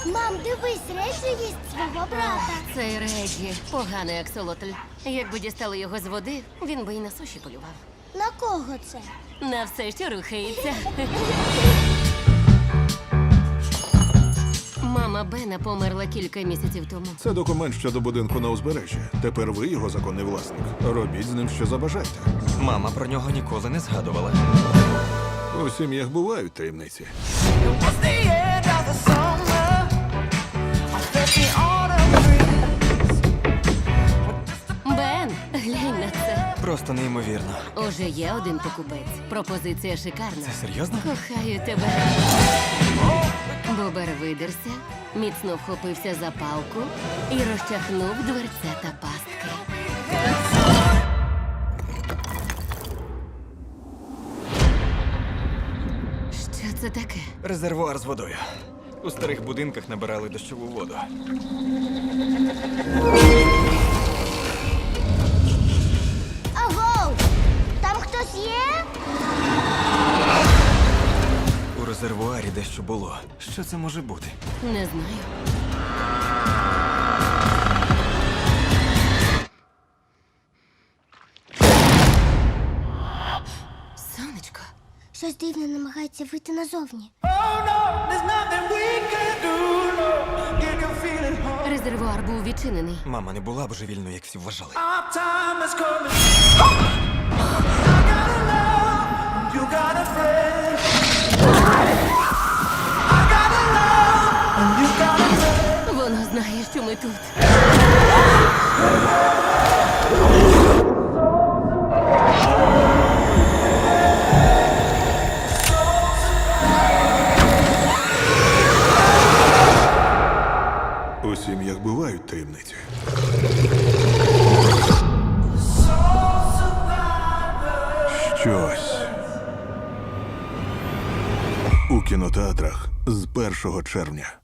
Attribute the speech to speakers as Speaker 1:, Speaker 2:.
Speaker 1: Мам, дивись, Реджі їсть свого брата.
Speaker 2: Цей Реджі поганий аксолотль. Якби дістали його з води, він би і на суші полював.
Speaker 1: На кого це?
Speaker 2: На все, що рухається. Мама Бена померла кілька місяців тому.
Speaker 3: Це документ щодо будинку на узбережжі. Тепер ви його законний власник. Робіть з ним, що забажаєте.
Speaker 4: Мама про нього ніколи не згадувала.
Speaker 3: У сім'ях бувають таємниці.
Speaker 2: Бен, глянь на це.
Speaker 4: Просто неймовірно.
Speaker 2: Уже є один покупець. Пропозиція шикарна.
Speaker 4: Це серйозно?
Speaker 2: Кохаю тебе. Бобер видерся, міцно вхопився за палку і розчахнув дверцята пастки. Що це таке?
Speaker 4: Резервуар з водою. У старих будинках набирали дощову воду.
Speaker 1: Агоу! Там хтось є?
Speaker 4: У резервуарі дещо було. Що це може бути?
Speaker 2: Не знаю. Сонечко.
Speaker 1: Щось дивне намагається вийти назовні.
Speaker 2: Резервуар був відчинений.
Speaker 4: Мама не була божевільною, як всі вважали.
Speaker 2: Воно знає, що ми тут.
Speaker 3: У сім'ях бувають таємниці. Щось у кінотеатрах з 1 червня.